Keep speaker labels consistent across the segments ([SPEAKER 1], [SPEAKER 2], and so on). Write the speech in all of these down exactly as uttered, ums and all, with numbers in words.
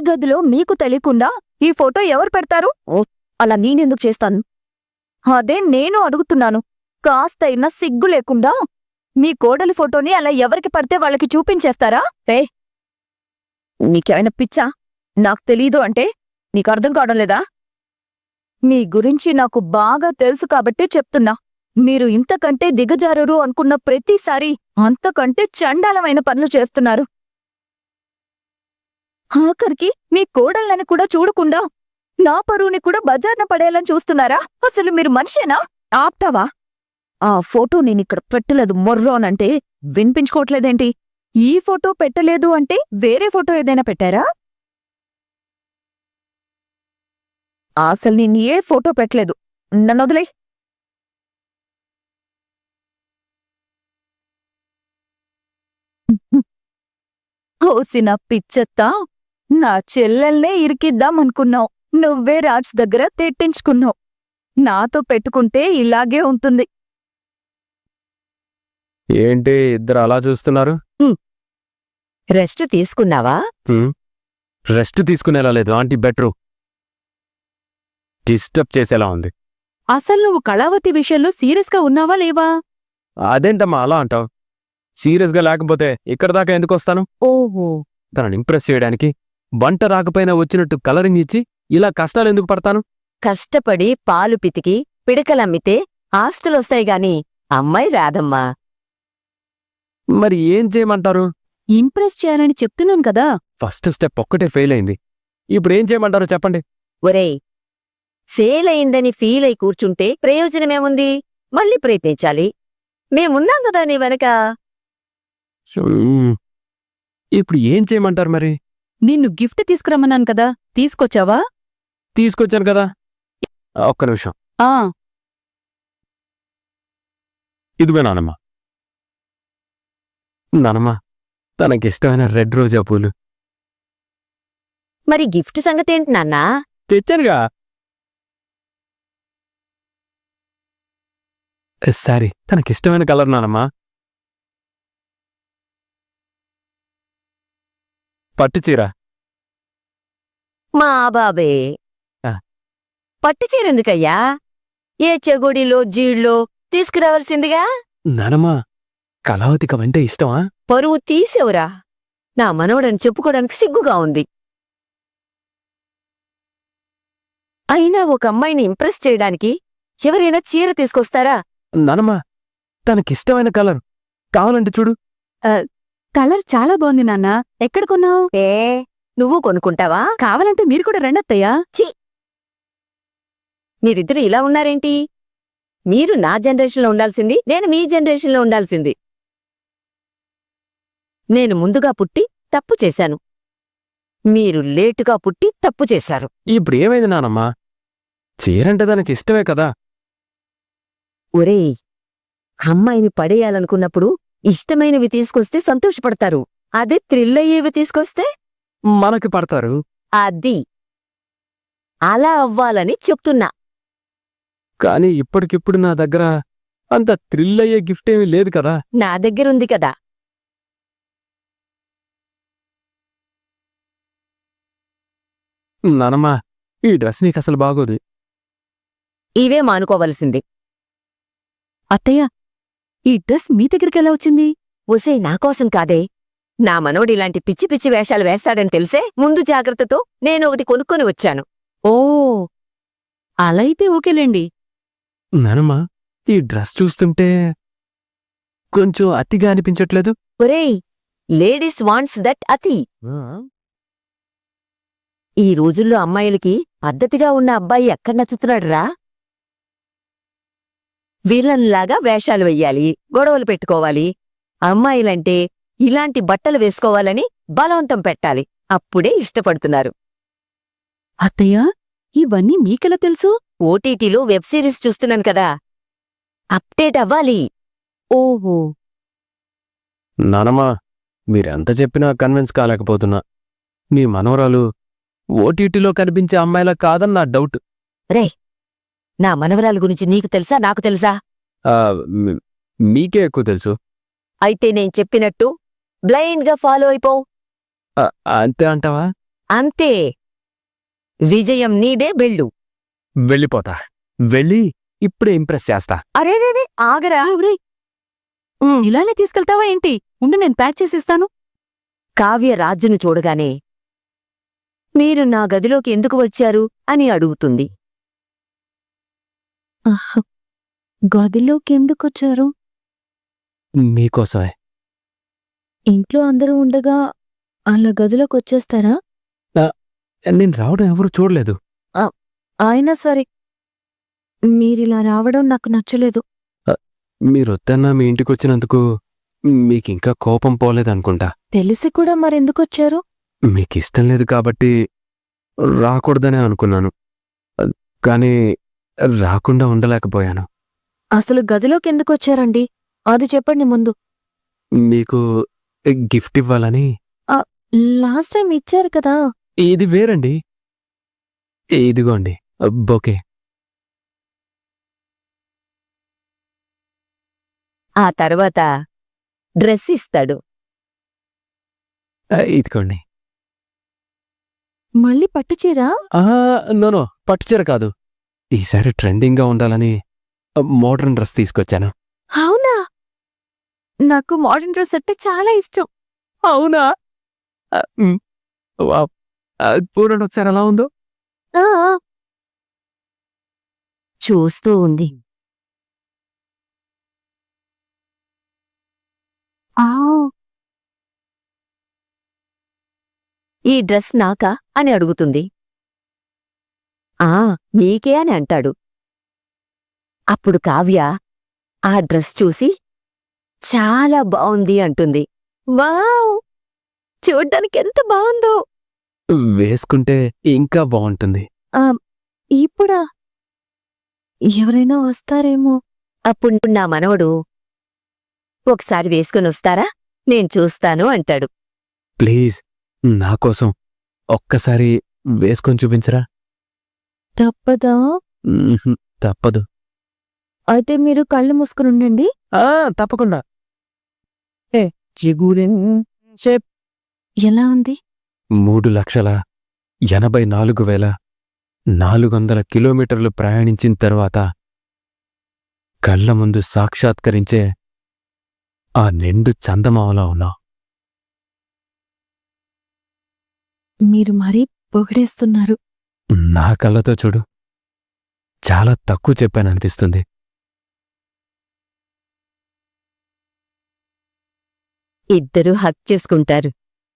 [SPEAKER 1] గదిలో మీకు తెలియకుండా ఈ ఫోటో ఎవరు పెడతారు?
[SPEAKER 2] అలా నేనెందుకు చేస్తాను?
[SPEAKER 1] అదే నేను అడుగుతున్నాను. కాస్తైనా సిగ్గు లేకుండా మీ కోడలి ఫోటోని అలా ఎవరికి పడితే వాళ్ళకి చూపించేస్తారా?
[SPEAKER 2] ఏ నీకేమైనా పిచ్చా? నాకు తెలీదు అంటే నీకు అర్థం కావడం లేదా?
[SPEAKER 1] మీ గురించి నాకు బాగా తెలుసు కాబట్టి చెప్తున్నా. మీరు ఇంతకంటే దిగజారరు అనుకున్న ప్రతిసారి అంతకంటే చండాలమైన పనులు చేస్తున్నారు. ఆఖరికి మీ కోడళ్ళని కూడా చూడకుండా నా పరువుని కూడా బజార్న పడేయాలని చూస్తున్నారా? అసలు మీరు మనిషేనా?
[SPEAKER 2] ఆప్తావా? ఆ ఫోటో నేనిక్కడ పెట్టలేదు మొర్రోనంటే వినిపించుకోవట్లేదేంటి?
[SPEAKER 1] ఈ ఫోటో పెట్టలేదు అంటే వేరే ఫోటో ఏదైనా పెట్టారా?
[SPEAKER 2] అసలు నేను ఏ ఫోటో పెట్టలేదు. నన్నొదిలే.
[SPEAKER 1] ఓసిన పిచ్చెత్తా, నా చెల్లెల్నే ఇరికిద్దామనుకున్నావు. నువ్వే రాజ్ దగ్గర తిట్టించుకున్నావు. నాతో పెట్టుకుంటే ఇలాగే ఉంటుంది.
[SPEAKER 3] ఏంటి ఇద్దరు అలా చూస్తున్నారు?
[SPEAKER 2] రెస్ట్ తీసుకున్నావా?
[SPEAKER 3] రెస్ట్ తీసుకునేలా లేదు ఆంటీ. బెటరు డిస్టర్బ్ చేసేలా ఉంది.
[SPEAKER 1] అసలు నువ్వు కళావతి విషయంలో సీరియస్గా ఉన్నావా లేవా?
[SPEAKER 3] అదేంటమ్మా అలా అంటావు? సీరియస్గా లేకపోతే ఇక్కడ దాకా ఎందుకు వస్తాను?
[SPEAKER 2] ఓహో,
[SPEAKER 3] తనని ఇంప్రెస్ చేయడానికి వంట రాకపోయినా వచ్చినట్టు కలరింగ్ ఇచ్చి ఇలా కష్టాలు ఎందుకు పడతాను?
[SPEAKER 4] కష్టపడి పాలు పితికి పిడకలమ్మితే ఆస్తులొస్తాయి గాని అమ్మాయి రాదమ్మా.
[SPEAKER 3] మరి ఏం చేయమంటారు?
[SPEAKER 1] ఇంప్రెస్ చేయాలని చెప్తున్నాను కదా.
[SPEAKER 3] ఫస్ట్ స్టెప్ ఒక్కటే ఫెయిల్ అయింది. ఇప్పుడు ఏం చేయమంటారో చెప్పండి.
[SPEAKER 4] ఒరేయ్, ఫెయిల్ అయిందని ఫీల్ అయి కూర్చుంటే ప్రయోజనమేముంది? మళ్ళీ ప్రయత్నించాలి. మేమున్నాం కదా నీ వెనక.
[SPEAKER 3] మ్మ్. ఇప్పుడు ఏం చేయమంటారు మరి?
[SPEAKER 1] నిన్ను గిఫ్ట్ తీసుకురమ్మన్నాను కదా, తీసుకొచ్చావా?
[SPEAKER 3] తీసుకొచ్చాను కదా. ఒక్క నిమిషం.
[SPEAKER 1] ఆ
[SPEAKER 3] ఇదిగో నానమ్మ. నానమ్మ, తనకిష్టమైన రెడ్ రోజా పూలు
[SPEAKER 4] మరి గిఫ్ట్ సంగతేంటి నాన్నా?
[SPEAKER 3] తెచ్చారుగా. సారీ, తనకిష్టమైన కలర్ నానమ్మా. పట్టుచీర.
[SPEAKER 4] మా బాబే,
[SPEAKER 3] ఆ.
[SPEAKER 4] పట్టుచీరెందుకయ్యా? ఏ చెగుడిలో జీళ్ళో తీసుకురావాల్సిందిగా.
[SPEAKER 3] నానమ్మా, కళావతికి అంటే ఇష్టమా?
[SPEAKER 4] పరువు తీసేవురా. నా మనవడని చెప్పుకోవడానికి సిగ్గుగా ఉంది. అయినా ఒక అమ్మాయిని ఇంప్రెస్ చేయడానికి ఎవరైనా చీర తీసుకొస్తారా?
[SPEAKER 3] నానమ్మా, తనకిష్టమైన కలర్ కావాలంటే చూడు.
[SPEAKER 1] కలర్ చాలా బాగుంది నాన్న. ఎక్కడ కొన్నావు?
[SPEAKER 4] ఏ నువ్వు కొనుక్కుంటావా?
[SPEAKER 1] కావాలంటే మీరు కూడా రెండత్తయ్యా.
[SPEAKER 4] మీరిద్దరు ఇలా ఉన్నారేంటి? మీరు నా జనరేషన్లో ఉండాల్సింది, నేను మీ జనరేషన్లో ఉండాల్సింది. నేను ముందుగా పుట్టి తప్పు చేశాను. మీరు లేటుగా పుట్టి తప్పు చేశారు.
[SPEAKER 3] ఇప్పుడు ఏమైంది నానమ్మా? చీరంటే తనకి ఇష్టమే కదా.
[SPEAKER 4] ఒరేయ్, అమ్మాయిని పడేయాలనుకున్నప్పుడు ఇష్టమైనవి తీసుకొస్తే సంతోషపడతారు. అదే థ్రిల్ అయ్యేవి తీసుకొస్తే
[SPEAKER 3] మనకి పడతారు.
[SPEAKER 4] అది అలా అవ్వాలని చెప్తున్నా.
[SPEAKER 3] కానీ ఇప్పటికిప్పుడు నా దగ్గర అంత థ్రిల్ అయ్యే గిఫ్ట్ ఏమీ లేదు కదా.
[SPEAKER 4] నా దగ్గరుంది కదా.
[SPEAKER 3] నానమ్మా, ఈ డ్రెస్ నీకు అసలు బాగోదు.
[SPEAKER 4] ఇవే మానుకోవలసింది.
[SPEAKER 1] అత్తయ్య, ఈ డ్రెస్ మీ దగ్గరికెలా వచ్చింది?
[SPEAKER 4] ఒసే, నాకోసం కాదే. నా మనవడు ఇలాంటి పిచ్చి పిచ్చి వేషాలు వేస్తాడని తెలిసే ముందు జాగ్రత్తతో నేను ఒకటి కొనుక్కొని వచ్చాను.
[SPEAKER 1] ఓ, అలా అయితే ఓకేలేండి.
[SPEAKER 3] నానమ్మా, ఈ డ్రెస్ చూస్తుంటే కొంచెం అతిగా అనిపించట్లేదు?
[SPEAKER 4] ఒరేయ్, లేడీస్ వాంట్స్ దట్ అతి. ఈ రోజుల్లో అమ్మాయిలకి పద్ధతిగా ఉన్న అబ్బాయి ఎక్కడ నచ్చుతున్నాడురా? వీళ్ళన్లాగా వేషాలు వెయ్యాలి, గొడవలు పెట్టుకోవాలి. అమ్మాయిలంటే ఇలాంటి బట్టలు వేసుకోవాలని బలవంతం పెట్టాలి. అప్పుడే ఇష్టపడుతున్నారు.
[SPEAKER 1] అత్తయ్య, ఇవన్నీ మీకెలా తెలుసు?
[SPEAKER 4] ఓటీటీలో వెబ్ సిరీస్ చూస్తున్నాను కదా, అప్డేట్ అవ్వాలి.
[SPEAKER 1] ఓహో,
[SPEAKER 3] నానమ్మా, మీరెంత చెప్పినా కన్విన్స్ కాలేకపోతున్నా. మీ మనవరాలు ఓటీటీలో కనిపించే అమ్మాయిలా కాదని నా డౌట్.
[SPEAKER 4] రే, నా మనవరాల గురించి నీకు తెలుసా, నాకు తెలుసా?
[SPEAKER 3] ఆ, మీ- మీకే ఎక్కువ తెలుసు.
[SPEAKER 4] అయితే నేను చెప్పినట్టు బ్లైండ్గా ఫాలో అయిపో.
[SPEAKER 3] ఆ, అంతే అంటావా?
[SPEAKER 4] అంతే. విజయం నీదే, వెళ్ళు.
[SPEAKER 3] వెళ్ళిపోతా. వెళ్ళి ఇప్పుడే ఇంప్రెస్ చేస్తా.
[SPEAKER 1] అరే రే ఆగరా ఎవరి ఇలానే తీసుకెళ్తావా ఏంటి? ఉండు, నేను ప్యాక్ చేసిస్తాను.
[SPEAKER 4] కావ్య రాజును చూడగానే మీరు నా గదిలోకి ఎందుకు వచ్చారు అని అడుగుతుంది.
[SPEAKER 1] గదిలోకి ఎందుకొచ్చారు?
[SPEAKER 3] మీకోసమే.
[SPEAKER 1] ఇంట్లో అందరూ ఉండగా అలా గదిలోకి వచ్చేస్తారా?
[SPEAKER 3] నేను రావడం ఎవరు చూడలేదు.
[SPEAKER 1] అయినా సరే, మీరిలా రావడం నాకు నచ్చలేదు.
[SPEAKER 3] మీరొద్దన్నా మీ ఇంటికొచ్చినందుకు మీకింకా కోపం పోలేదనుకుంటా.
[SPEAKER 1] తెలిసి కూడా మరెందుకొచ్చారు?
[SPEAKER 3] మీకిష్టం లేదు కాబట్టి రాకూడదనే అనుకున్నాను. కానీ రాకుండా ఉండలేకపోయాను.
[SPEAKER 1] అసలు గదిలోకి ఎందుకొచ్చారండి? అది చెప్పండి ముందు.
[SPEAKER 3] మీకు గిఫ్ట్ ఇవ్వాలని.
[SPEAKER 1] లాస్ట్ టైం ఇచ్చారు కదా.
[SPEAKER 3] ఇది వేరండి. ఇదిగోండి బొకే.
[SPEAKER 4] ఆ తర్వాత డ్రెస్ ఇస్తాడు.
[SPEAKER 3] ఇదిగోండి.
[SPEAKER 1] మళ్ళీ పట్టుచీరా?
[SPEAKER 3] నోనో, పట్టుచీర కాదు. ఈసారి ట్రెండింగ్గా ఉండాలని మోడర్న్ డ్రెస్ తీసుకొచ్చాను.
[SPEAKER 1] అవునా? నాకు మోడర్న్ డ్రెస్ అంటే చాలా ఇష్టం.
[SPEAKER 3] అవునా? పూర్ణ ఒకసారి ఎలా ఉందో
[SPEAKER 1] ఆ
[SPEAKER 4] చూస్తూ ఉంది. ఈ డ్రెస్ నాకా అని అడుగుతుంది. ఆ నీకే అని అంటాడు. అప్పుడు కావ్య ఆ డ్రెస్ చూసి చాలా బావుంది అంటుంది.
[SPEAKER 1] వావ్, చూడ్డానికి ఎంత బాగుందో.
[SPEAKER 3] వేసుకుంటే ఇంకా బాగుంటుంది.
[SPEAKER 1] ఇప్పుడా? ఎవరైనా వస్తారేమో.
[SPEAKER 4] అప్పుడు నా మనవడు ఒకసారి వేసుకునొస్తారా, నేను చూస్తాను అంటాడు.
[SPEAKER 3] ప్లీజ్, నాకోసం ఒక్కసారి వేసుకొని చూపించరా?
[SPEAKER 1] తప్పదా?
[SPEAKER 3] తప్పదు.
[SPEAKER 1] అయితే మీరు కళ్ళు మూసుకుని ఉండండి.
[SPEAKER 3] తప్పకుండా.
[SPEAKER 1] ఎలా ఉంది?
[SPEAKER 3] మూడు లక్షల ఎనభై నాలుగు వేల నాలుగు వందల కిలోమీటర్లు ప్రయాణించిన తర్వాత కళ్ళ ముందు సాక్షాత్కరించే ఆ నిండు చందమామలా ఉన్నావు.
[SPEAKER 1] మీరు మరీ పొగిడేస్తున్నారు.
[SPEAKER 3] నా కళ్ళతో చూడు, చాలా తక్కువ చెప్పాననిపిస్తుంది.
[SPEAKER 4] ఇద్దరూ హక్ చేసుకుంటారు.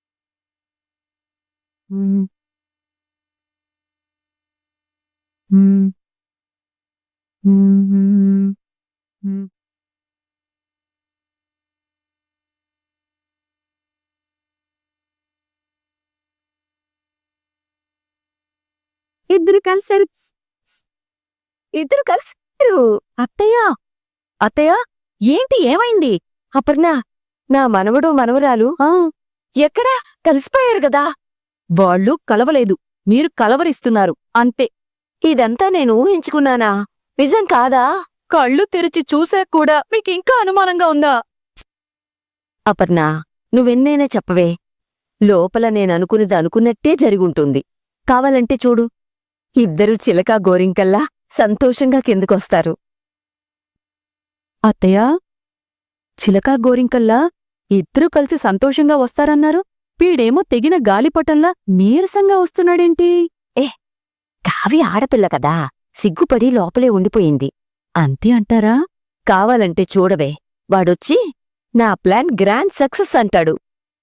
[SPEAKER 4] ఇద్దరు కలిసారు.
[SPEAKER 1] ఇద్దరు కలిసారు. అత్తయ్య, అత్తయ్య, ఏంటి ఏమైంది?
[SPEAKER 4] అపర్ణ, నా మనవడు మనవరాలు ఎక్కడా కలిసిపోయారు గదా.
[SPEAKER 1] వాళ్ళు కలవలేదు, మీరు కలవరిస్తున్నారు అంతే.
[SPEAKER 4] ఇదంతా నేను ఊహించుకున్నానా? నిజం కాదా?
[SPEAKER 1] కళ్ళు తెరిచి చూసాక కూడా మీకింకా అనుమానంగా ఉందా?
[SPEAKER 4] అపర్ణ, నువ్వెన్నైనా చెప్పవే. లోపల నేననుకునేది అనుకున్నట్టే జరిగుంటుంది. కావాలంటే చూడు, ఇద్దరు చిలకా గోరింకల్లా సంతోషంగా కిందకొస్తారు.
[SPEAKER 1] అత్తయ్య, చిలకా గోరింకల్లా ఇద్దరూ కలిసి సంతోషంగా వస్తారన్నారు. వీడేమో తెగిన గాలిపటంలా నీరసంగా వస్తున్నాడేంటి?
[SPEAKER 4] కావి ఆడపిల్ల కదా, సిగ్గుపడి లోపలే ఉండిపోయింది.
[SPEAKER 1] అంతే అంటారా?
[SPEAKER 4] కావాలంటే చూడవే, వాడొచ్చి నా ప్లాన్ గ్రాండ్ సక్సెస్ అంటాడు.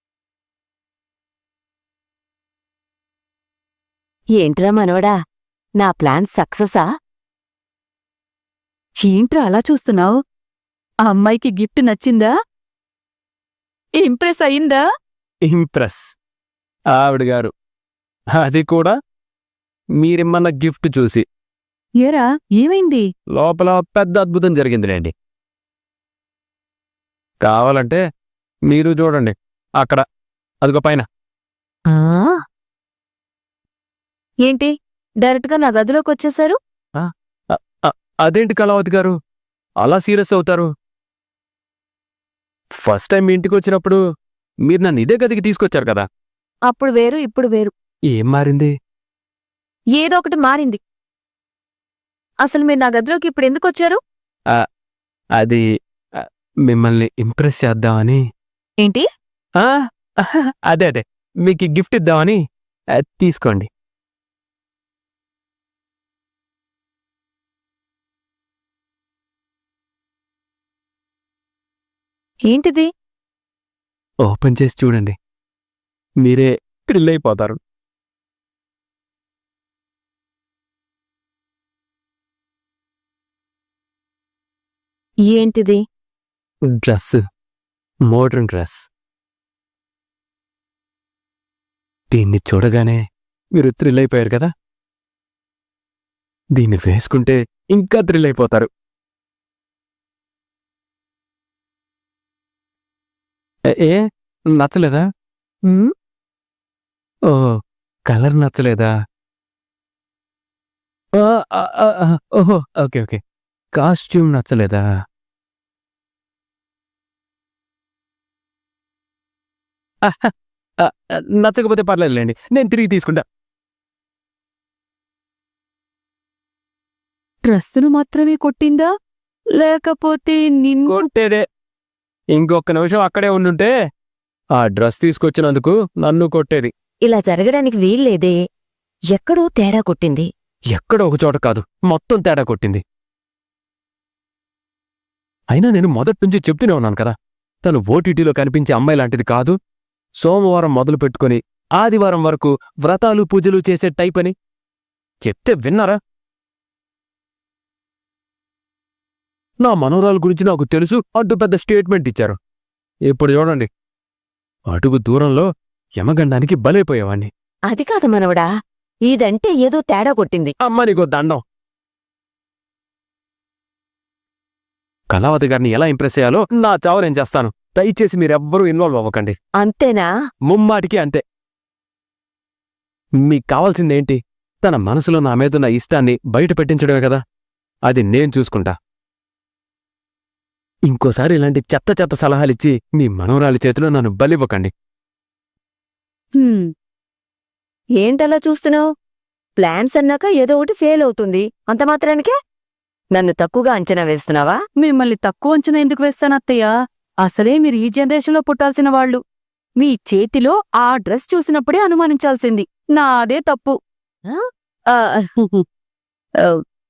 [SPEAKER 4] ఏంట్రా మనవడా, నా ప్లాన్ సక్సెసా?
[SPEAKER 1] ఏంట్రా అలా చూస్తున్నావు? ఆ అమ్మాయికి గిఫ్ట్ నచ్చిందా? ఇంప్రెస్ అయిందా?
[SPEAKER 3] ఇంప్రెస్ ఆవిడగారు, అది కూడా మీరిమ్మన్న గిఫ్ట్ చూసి.
[SPEAKER 1] ఏరా, ఏమైంది?
[SPEAKER 3] లోపల పెద్ద అద్భుతం జరిగిందిలేండి. కావాలంటే మీరు చూడండి, అక్కడ అదిగో పైన.
[SPEAKER 1] ఏంటి, డైరెక్ట్గా నా గదిలోకి వచ్చేశారు?
[SPEAKER 3] అదేంటి కళావతి గారు, అలా సీరియస్ అవుతారు? ఫస్ట్ టైం మీ ఇంటికి వచ్చినప్పుడు మీరు నన్ను ఇదే గదికి తీసుకొచ్చారు కదా.
[SPEAKER 1] అప్పుడు వేరు, ఇప్పుడు వేరు.
[SPEAKER 3] ఏం మారింది?
[SPEAKER 2] ఏదో ఒకటి మారింది. అసలు మీరు నా గదిలోకి ఇప్పుడు ఎందుకు వచ్చారు?
[SPEAKER 3] అది ఆ, మిమ్మల్ని ఇంప్రెస్ చేద్దామని.
[SPEAKER 2] ఏంటి?
[SPEAKER 3] ఆ, అదే అదే మీకు ఈ గిఫ్ట్ ఇద్దామని. ఆ, తీసుకోండి.
[SPEAKER 2] ఏంటిది?
[SPEAKER 3] ఓపెన్ చేసి చూడండి, మీరే థ్రిల్ అయిపోతారు.
[SPEAKER 2] ఏంటిది?
[SPEAKER 3] Dress, modern dress. దీన్ని చూడగానే మీరు థ్రిల్ అయిపోయారు కదా, దీన్ని వేసుకుంటే ఇంకా థ్రిల్ అయిపోతారు. ఏ- ఏ నచ్చలేదా?
[SPEAKER 2] ఉమ్,
[SPEAKER 3] ఓ, కలర్ నచ్చలేదా? ఆ, ఆ, ఆ, ఆ, ఓహో, ఓకే ఓకే, కాస్ట్యూమ్ నచ్చలేదా? ఆహా, ఆ, ఆ, నచ్చకపోతే పర్లేదులేండి, నేను తిరిగి తీసుకుంటా.
[SPEAKER 1] డ్రెస్సును మాత్రమే కొట్టిందా లేకపోతే నిన్ను?
[SPEAKER 3] కొట్టేదే. ఇంకొక నిమిషం అక్కడే ఉండుంటే ఆ డ్రెస్ తీసుకొచ్చినందుకు నన్ను కొట్టేది.
[SPEAKER 4] ఇలా జరగడానికి వీల్లేదే. ఎక్కడో తేడా కొట్టింది.
[SPEAKER 3] ఎక్కడో ఒక చోట కాదు, మొత్తం తేడా కొట్టింది. అయినా నేను మొదటి నుంచి చెప్తూనే ఉన్నాను కదా, తను ఓటీటీలో కనిపించే అమ్మాయి లాంటిది కాదు. సోమవారం మొదలు పెట్టుకుని ఆదివారం వరకు వ్రతాలు పూజలు చేసే టైప్ అని చెప్తే విన్నారా? నా మనోరాల గురించి నాకు తెలుసు అంటూ పెద్ద స్టేట్మెంట్ ఇచ్చారు. ఇప్పుడు చూడండి, అడుగు దూరంలో యమగండానికి బలైపోయేవాణ్ణి.
[SPEAKER 4] అది కాదు మనవడా, ఇదంటే ఏదో తేడా కొట్టింది.
[SPEAKER 3] అమ్మ నీకో దండం. కళావతి గారిని ఎలా ఇంప్రెస్ చేయాలో నా చావు నేను చేస్తాను. దయచేసి మీరెవ్వరూ ఇన్వాల్వ్ అవ్వకండి.
[SPEAKER 4] అంతేనా?
[SPEAKER 3] ముమ్మాటికి అంతే. మీకు కావాల్సిందేంటి? తన మనసులో నా మీదున్న ఇష్టాన్ని బయట పెట్టించడమే కదా. అది నేను చూసుకుంటా. ఇంకోసారి ఇలాంటి చెత్త చెత్త సలహాలిచ్చి మీ మనోరాలి చేతిలో నన్ను బలివ్వకండి.
[SPEAKER 1] హ్మ్,
[SPEAKER 4] ఏంటలా చూస్తున్నావు? ప్లాన్స్ అన్నాక ఏదో ఒకటి ఫెయిల్ అవుతుంది. అంత మాత్రానికే నన్ను తక్కువగా అంచనా వేస్తున్నావా?
[SPEAKER 1] మిమ్మల్ని తక్కువ అంచనా ఎందుకు వేస్తాను అత్తయ్య? అసలే మీరు ఈ జనరేషన్లో పుట్టాల్సిన వాళ్ళు. మీ చేతిలో ఆ డ్రెస్ చూసినప్పుడే అనుమానించాల్సింది. నాదే తప్పు.
[SPEAKER 2] ఆ?
[SPEAKER 1] ఆ,
[SPEAKER 2] ఆ,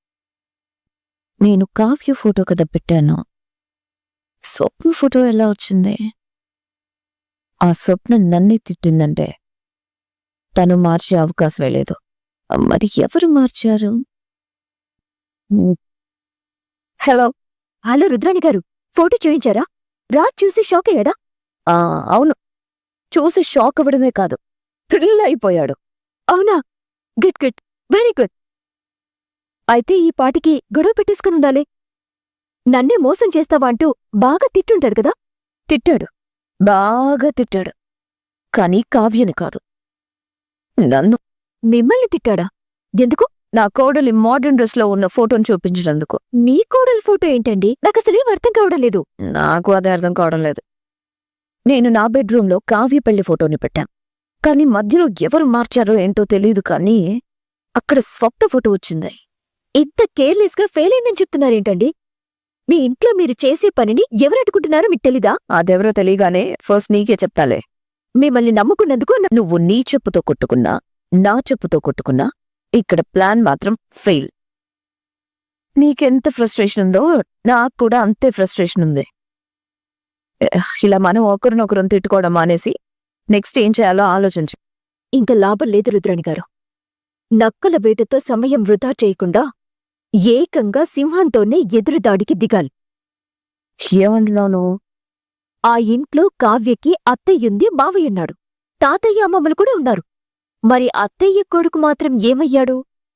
[SPEAKER 2] నేను కావ్య ఫోటో కదా పెట్టాను. స్వప్న ఫోటో ఎలా వచ్చింది? ఆ స్వప్న నన్నే తిట్టిందంటే తను మార్చే అవకాశమే లేదు. మరి ఎవరు మార్చారు? ఉమ్. హలో.
[SPEAKER 1] హలో రుద్రాణి గారు, ఫోటో చూయించారా? రాజ్ చూసి షాక్ అయ్యాడా?
[SPEAKER 2] ఆ, అవును, చూసి షాక్ అవ్వడమే కాదు, థ్రిల్ అయిపోయాడు.
[SPEAKER 1] అవునా? Good good, very good. అయితే ఈ పాటికి గొడవ పెట్టేసుకుని ఉండాలి. నన్నే మోసం చేస్తావా అంటూ బాగా తిట్టుంటాడు కదా?
[SPEAKER 2] తిట్టాడు, బాగా తిట్టాడు. కానీ కావ్యని కాదు, నన్ను.
[SPEAKER 1] మిమ్మల్ని తిట్టాడా? ఎందుకు?
[SPEAKER 2] నా కోడలి మోడర్న్ డ్రెస్ లో ఉన్న ఫోటోను చూపించినందుకు.
[SPEAKER 1] మీ కోడలి ఫోటో ఏంటండి? నాకసలేం అర్థం కావడం లేదు.
[SPEAKER 2] నాకు అదే అర్థం కావడం లేదు. నేను నా బెడ్రూంలో కావ్య పెళ్లి ఫోటోని పెట్టాను, కానీ మధ్యలో ఎవరు మార్చారో ఏంటో తెలీదు, కానీ అక్కడ స్వప్న ఫోటో వచ్చింది.
[SPEAKER 1] ఇంత కేర్లెస్ గా ఫెయిల్ అయిందని చెప్తున్నారేంటండి? మీ ఇంట్లో మీరు చేసే పనిని ఎవరు అడ్డుకుంటున్నారో మీకు తెలీదా?
[SPEAKER 2] అదెవరో తెలియగానే ఫస్ట్ నీకే చెప్తాలే.
[SPEAKER 1] మిమ్మల్ని నమ్ముకున్నందుకు నా-
[SPEAKER 2] నువ్వు నీ చెప్పుతో కొట్టుకున్నా, నా చెప్పుతో కొట్టుకున్నా, ఇక్కడ ప్లాన్ మాత్రం ఫెయిల్. నీకెంత ఫ్రస్ట్రేషన్ ఉందో నాకు కూడా అంతే ఫ్రస్ట్రేషన్ ఉంది. ఎహ్, ఇలా మనం ఒకరినొకరం తిట్టుకోవడం మానేసి నెక్స్ట్ ఏం చేయాలో ఆలోచించు.
[SPEAKER 1] ఇంకా లాభం లేదు రుద్రాణి గారు. నక్కల వేటతో సమయం వృధా చేయకుండా ఏకంగా సింహంతోనే ఎదురుదాడికి దిగాలి.
[SPEAKER 2] ఏమంటున్నావు నువ్వు?
[SPEAKER 1] ఆ ఇంట్లో కావ్యకి అత్తయ్యుంది, మావయ్యున్నాడు, తాతయ్య అమ్మమ్మలు కూడా ఉన్నారు. మరి అత్తయ్య కొడుకు మాత్రం ఏమయ్యాడు?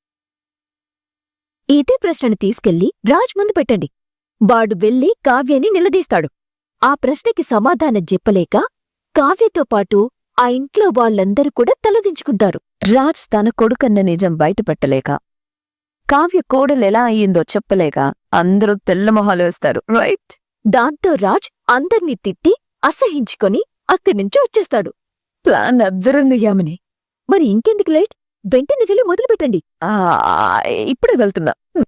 [SPEAKER 1] ఇదే ప్రశ్నను తీసుకెళ్లి రాజ్ ముందు పెట్టండి. వాడు వెళ్లి కావ్యని నిలదీస్తాడు. ఆ ప్రశ్నకి సమాధానం చెప్పలేక కావ్యతో పాటు ఆ ఇంట్లో వాళ్ళందరూ కూడా తలదించుకుంటారు.
[SPEAKER 2] రాజ్ తన కొడుకన్న నిజం బయటపెట్టలేక, కావ్య కోడలు ఎలా అయ్యిందో చెప్పలేక అందరూ తెల్లమొహాలు వేస్తారు, రైట్?
[SPEAKER 1] దాంతో రాజ్ అందర్నీ తిట్టి అసహించుకొని అక్కడ్నుంచి వచ్చేస్తాడు.
[SPEAKER 2] ప్లాన్ అద్దరింది యామిని.
[SPEAKER 1] మరి ఇంకెందుకు లేట్? వెంటనే వెళ్ళి మొదలు పెట్టండి.
[SPEAKER 2] ఆ, ఇప్పుడే వెళ్తున్నా.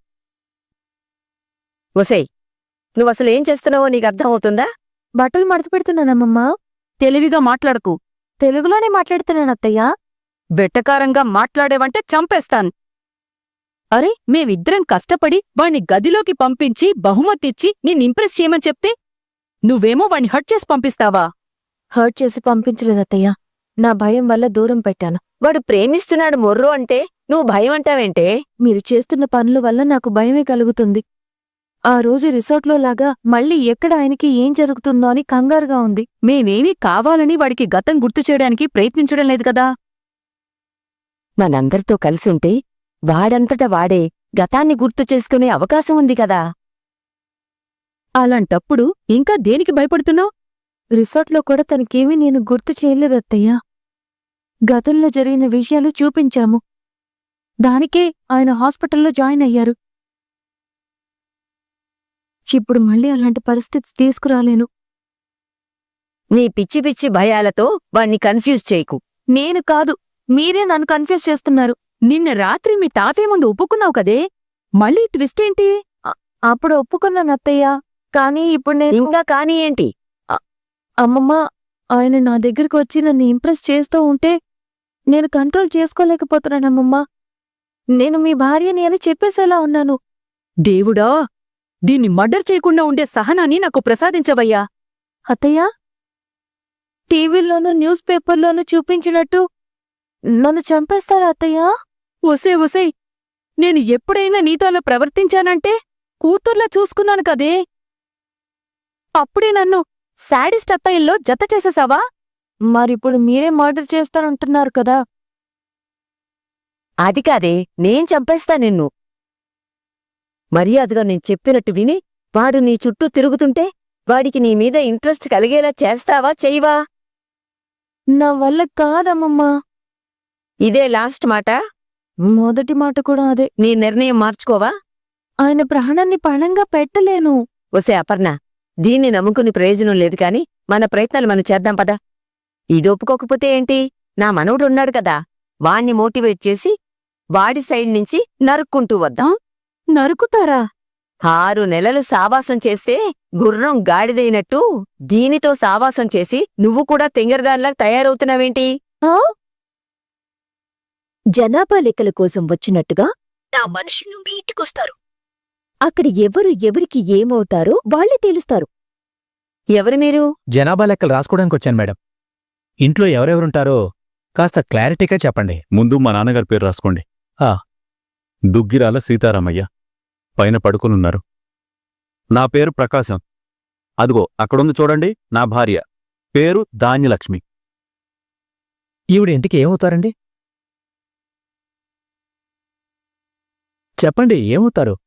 [SPEAKER 4] ఒసేయ్, నువ్వసలు ఏం చేస్తున్నావో నీకు అర్థమవుతుందా?
[SPEAKER 1] బట్టలు మడత పెడుతున్నానమ్మమ్మా.
[SPEAKER 5] తెలివిగా మాట్లాడకు.
[SPEAKER 1] తెలుగులోనే మాట్లాడుతున్నానత్తయ్యా.
[SPEAKER 5] వెట్టకారంగా మాట్లాడేవంటే చంపేస్తాను. అరే, మేమిద్దరం కష్టపడి వాణ్ణి గదిలోకి పంపించి బహుమతిచ్చి నిన్నింప్రెస్ చేయమని చెప్తే నువ్వేమో వాణ్ణి హర్ట్ చేసి పంపిస్తావా?
[SPEAKER 1] హర్ట్ చేసి పంపించలేదత్తయ్యా. నా భయం వల్ల దూరం పెట్టాను.
[SPEAKER 4] వాడు ప్రేమిస్తున్నాడు మొర్రో అంటే నువ్వు భయం అంటావేంటే?
[SPEAKER 1] మీరు చేస్తున్న పనుల వల్ల నాకు భయమే కలుగుతుంది. ఆ రోజు రిసార్ట్లో లాగా మళ్ళీ ఎక్కడ ఆయనకి ఏం జరుగుతుందో అని కంగారుగా ఉంది.
[SPEAKER 5] మేమేమీ కావాలని వాడికి గతం గుర్తు చేయడానికి ప్రయత్నించడం లేదు కదా.
[SPEAKER 4] మనందరితో కలిసుంటే వాడంతట వాడే గతాన్ని గుర్తు చేసుకునే అవకాశం ఉంది కదా.
[SPEAKER 5] అలాంటప్పుడు ఇంకా దేనికి భయపడుతున్నావు?
[SPEAKER 1] రిసార్ట్లో కూడా తనకేమీ నేను గుర్తు చేయలేదత్తయ్యా. గతంలో జరిగిన విషయాలు చూపించాము. దానికే ఆయన హాస్పిటల్లో జాయిన్ అయ్యారు. ఇప్పుడు మళ్ళీ అలాంటి పరిస్థితి తీసుకురాలేను.
[SPEAKER 4] నీ పిచ్చి పిచ్చి భయాలతో వాణ్ణి కన్ఫ్యూజ్ చేయకు.
[SPEAKER 1] నేను కాదు, మీరే నన్ను కన్ఫ్యూజ్ చేస్తున్నారు.
[SPEAKER 5] నిన్న రాత్రి మీ తాతయ్య ముందు ఒప్పుకున్నావు కదే, మళ్ళీ ట్విస్ట్ ఏంటి?
[SPEAKER 1] అప్పుడు ఒప్పుకున్నాను అత్తయ్యా, కానీ ఇప్పుడు నేను
[SPEAKER 4] ఇంకా కానీ ఏంటి?
[SPEAKER 1] అమ్మమ్మ, ఆయన నా దగ్గరికి వచ్చి నన్ను ఇంప్రెస్ చేస్తూ ఉంటే నేను కంట్రోల్ చేసుకోలేకపోతున్నానమ్మమ్మా. నేను మీ భార్యని అని చెప్పేసేలా ఉన్నాను.
[SPEAKER 5] దేవుడా, దీన్ని మర్డర్ చేయకుండా ఉండే సహనాన్ని నాకు ప్రసాదించవయ్యా.
[SPEAKER 1] అత్తయ్యా, టీవీలోనూ న్యూస్ పేపర్లోనూ చూపించినట్టు నన్ను చంపేస్తారా అత్తయ్యా?
[SPEAKER 5] ఒసే ఒసే, నేను ఎప్పుడైనా నీతో అలా ప్రవర్తించానంటే కూతుర్లా చూసుకున్నాను కదే. అప్పుడే నన్ను శాడిస్ట్ అత్తయ్యల్లో జత చేసేసావా?
[SPEAKER 1] మరిప్పుడు మీరే మర్డర్ చేస్తానంటున్నారు కదా.
[SPEAKER 4] అది కాదే, నేం చంపేస్తా నిన్ను. మర్యాదగా నేను చెప్పినట్టు విని వాడు నీ చుట్టూ తిరుగుతుంటే వాడికి నీ మీద ఇంట్రెస్ట్ కలిగేలా చేస్తావా చెయ్యవా?
[SPEAKER 1] నా వల్ల కాదమ్మమ్మా.
[SPEAKER 4] ఇదే లాస్ట్ మాట?
[SPEAKER 1] మొదటి మాట కూడా అదే.
[SPEAKER 4] నీ నిర్ణయం మార్చుకోవా?
[SPEAKER 1] ఆయన ప్రాణాన్ని పణంగా పెట్టలేను.
[SPEAKER 4] ఒసే అపర్ణ, దీన్ని నమ్ముకుని ప్రయోజనం లేదు కాని మన ప్రయత్నాలు మనం చేద్దాం పదా. ఇది ఒప్పుకోకపోతే ఏంటి, నా మనవడున్నాడు కదా, వాణ్ణి మోటివేట్ చేసి వాడి సైడ్ నుంచి నరుక్కుంటూ వద్దాం.
[SPEAKER 5] నరుకుతారా?
[SPEAKER 4] ఆరు నెలలు సావాసం చేస్తే గుర్రం గాడిదైనట్టు దీనితో సావాసం చేసి నువ్వు కూడా తెంగరదానిలా తయారవుతున్నావేంటి?
[SPEAKER 1] ఆ? జనాభా లెక్కల కోసం వచ్చినట్టుగా నా మనుషులు మీ ఇంటికొస్తారు. అక్కడ ఎవరు ఎవరికి ఏమవుతారో వాళ్లే తేలుస్తారు.
[SPEAKER 4] ఎవరు మీరు?
[SPEAKER 6] జనాభా లెక్కలు రాసుకోవడానికి వచ్చాను మేడం. ఇంట్లో ఎవరెవరుంటారో కాస్త క్లారిటీగా చెప్పండి.
[SPEAKER 7] ముందు మా నాన్నగారి పేరు రాసుకోండి.
[SPEAKER 6] ఆ.
[SPEAKER 7] దుగ్గిరాల సీతారామయ్య, పైన పడుకునున్నారు. నా పేరు ప్రకాశం. అదిగో అక్కడుంది చూడండి, నా భార్య పేరు ధాన్యలక్ష్మి.
[SPEAKER 6] ఈవిడ ఇంటికి ఏమవుతారండి? చెప్పండి, ఏమవుతారు?